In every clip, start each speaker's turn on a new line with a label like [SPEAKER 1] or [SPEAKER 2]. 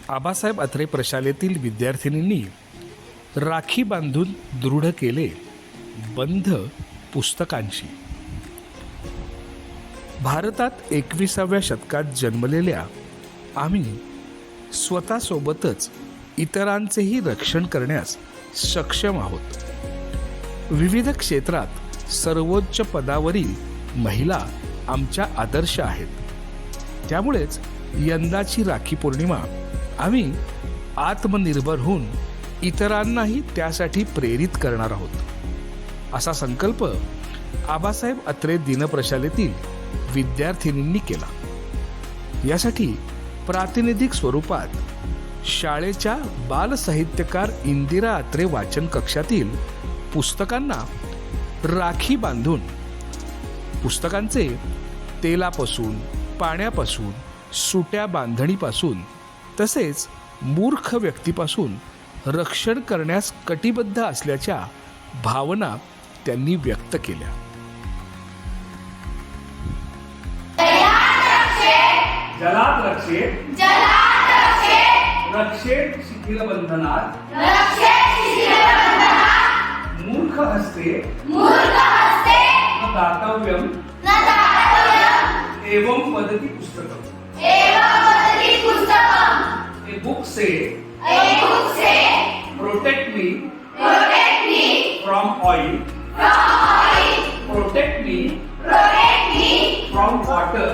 [SPEAKER 1] आबासाहेब अत्रे प्रशालेतील विद्यार्थिनींनी राखी बांधून दृढ केले बंध पुस्तकांशी. भारतात 21व्या शतकात जन्मलेल्या आम्ही स्वतःसोबतच इतरांचेही रक्षण करण्यास सक्षम आहोत. विविध क्षेत्रात सर्वोच्च पदावरील महिला आमच्या आदर्श आहेत. त्यामुळेच यंदाची राखी पौर्णिमा आम्ही आत्मनिर्भर होऊन इतरांनाही त्यासाठी प्रेरित करणार आहोत, असा संकल्प आबासाहेब अत्रे दिनप्रशालेतील विद्यार्थिनींनी केला. यासाठी प्रातिनिधिक स्वरूपात शाळेच्या बालसाहित्यकार इंदिरा अत्रे वाचन कक्षातील पुस्तकांना राखी बांधून पुस्तकांचे तेलापासून, पाण्यापासून, सुट्या बांधणीपासून तसेच मूर्ख व्यक्तीपासून रक्षण करण्यास कटिबद्ध असल्याच्या भावना त्यांनी व्यक्त केल्या.
[SPEAKER 2] जलात रक्षेत रक्षेत शिथिलबंधनात मूर्ख हस्ते न दातव्यम एवं वदति पुस्तकम्. A book say protect me from oil, protect me from water,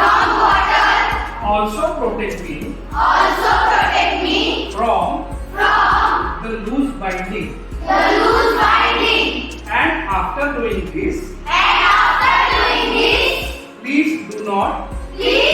[SPEAKER 2] also protect me from the loose binding. And after doing this, please do not